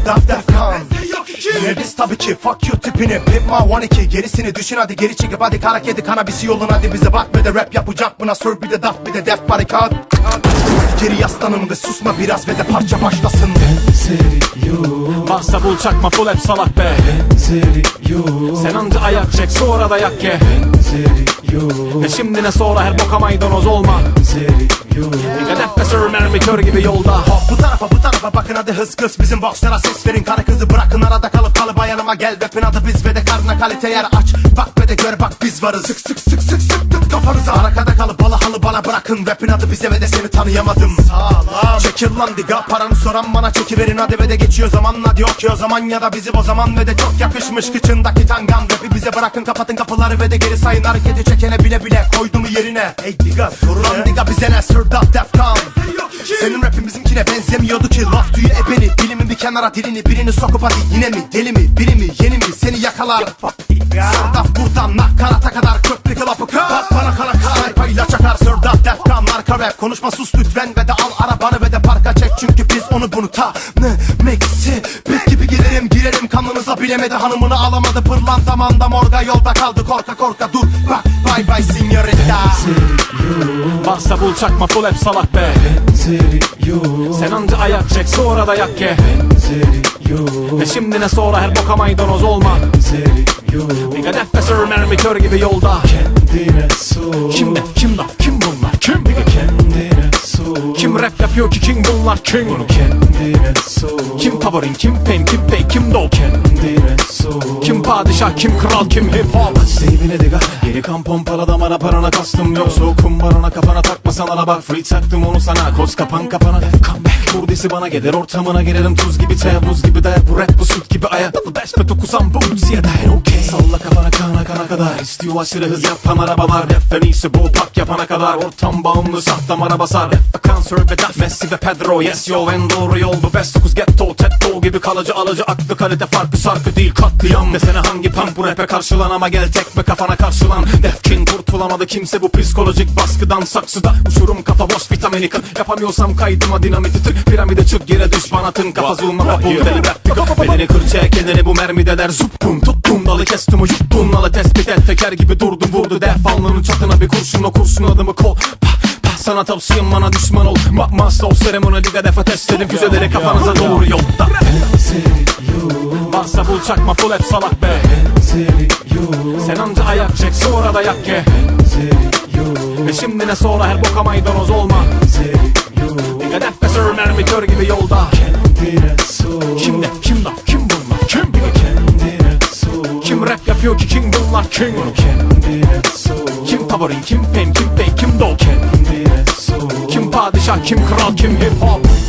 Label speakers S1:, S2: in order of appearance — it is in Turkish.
S1: Defkan. Yine biz tabii ki fuck you tipini Pimma 12 gerisini düşün hadi geri çekip hadi kara kedi kanabisi yolun hadi bize bak ve de rap yapacak buna sür bir de daf bir de def barikat. Geri yaslanın ve susma biraz ve de parça başlasın.
S2: Varsa bul çakma full hep salak be. Sen anca ayak çek sonra da yak ye. Ve şimdi ne sonra her boka maydanoz olma. Bir hedef ve sür mermi kör gibi yolda.
S1: Hop bu tarafa bakın hadi hız kız bizim bokslara ses verin. Karı kızı bırakın arada kalıp kalıba yanıma gel. Rapin adı biz ve de karnına kalite yer aç. Bak ve de gör bak biz varız. Sık sıktık kafanıza. Arkada kalıp balı halı bana bırakın. Rapin adı bize ve de seni tanıyamadım. Sağlam. Çekil lan diga paranı soran bana çekiverin hadi ve de geçiyor zaman. Hadi okey o zaman ya da bizi o zaman ve de çok yakışmış kıçındaki tangan. Rapi bize bırakın kapatın kapıları ve de geri sayın. Hareketi çekene bile bile koydu mu yerine. Ey diga sorun lan diga bize ne sırdat defkan. Senin rapin bizimkine benzemiyordu ki. Laf tüyü ebeni bilimin bir kenara dilini. Birini sokup hadi yine mi deli mi biri mi yeni mi seni yakalar. Sırdaf buradan nakarata kadar köprü kılapı kır. Bak bana kara saypayla çakar sırdaf defkan. Marka rap konuşma sus lütfen ve de al arabanı ve de parka çek. Çünkü biz onu bunu tanımeksi. Bit gibi girerim kanınıza bilemedi hanımını alamadı. Pırlanta manda morga yolda kaldı korka dur bak bye bye signorita.
S2: Varsa bul çakma full hep salak be. Sen anca ayak çek sonra da yak ye. Ve şimdi ne sonra her boka maydanoz olma. Bir hedef ve sür mermi kör gibi yolda. Kim def kim laf kim bunlar kim? Kim rap yapıyor ki kim bunlar kim? Kim favorin kim fame kim fake kim dog? Kim padişah kim kral kim hip hop?
S3: Sevine diga geri kan pompala damara parana kastım yoksa o kumbarana kafana takmasan ala bak free taktım onu sana koz kapan kapana come back kurdisi bana gelir ortamına girerim tuz gibi çaya buz gibi de bu rap bu süt gibi aya double dash ve dokusam bu ya da okay salla kafana kana kadar istiyor aşırı hız yapan arabalar rap en iyisi bu pak yapana kadar ortam bağımlı sahtam ara basar rap ve kanser ve daf Messi ve Pedro yes yo en doğru yol bu best 9 ghetto tetto gibi kalıcı alıcı aklı kalite farkı şarkı değil katliam desene hangi punk bu rap'e karşılan ama gel tek ve kafana karşılan Defkin kurtulamadı kimse bu psikolojik baskıdan saksıda uçurum kafa boş vitamini kır yapamıyorsam kaydıma dinamiti tık piramide çık yere düş bana tın kafa zulma papul deli rap belini kır çek kendini bu mermideler zuppum tuttum dalı kestim o yuttun nalı tespit et teker gibi durdum vurdu def alnının çatına bir kurşun o kurşun adımı kol sana tavsiyem bana düşman ol Master of seremoni liga defa test edin füzeleri kafanıza doğru yolda.
S2: Varsa bul çakma full hep salak be. Sen anca ayak çek sonra da yak ye. Ve şimdi ne sonra her boka maydanoz olma. Bir hedef ve sür mermi kör gibi yolda. Kim def kim laf kim bunlar kim? Kim rap yapıyor ki kim bunlar kim? Kim favorin kim fame kim fake kim dog? Kim padişah kim kral kim hip hop?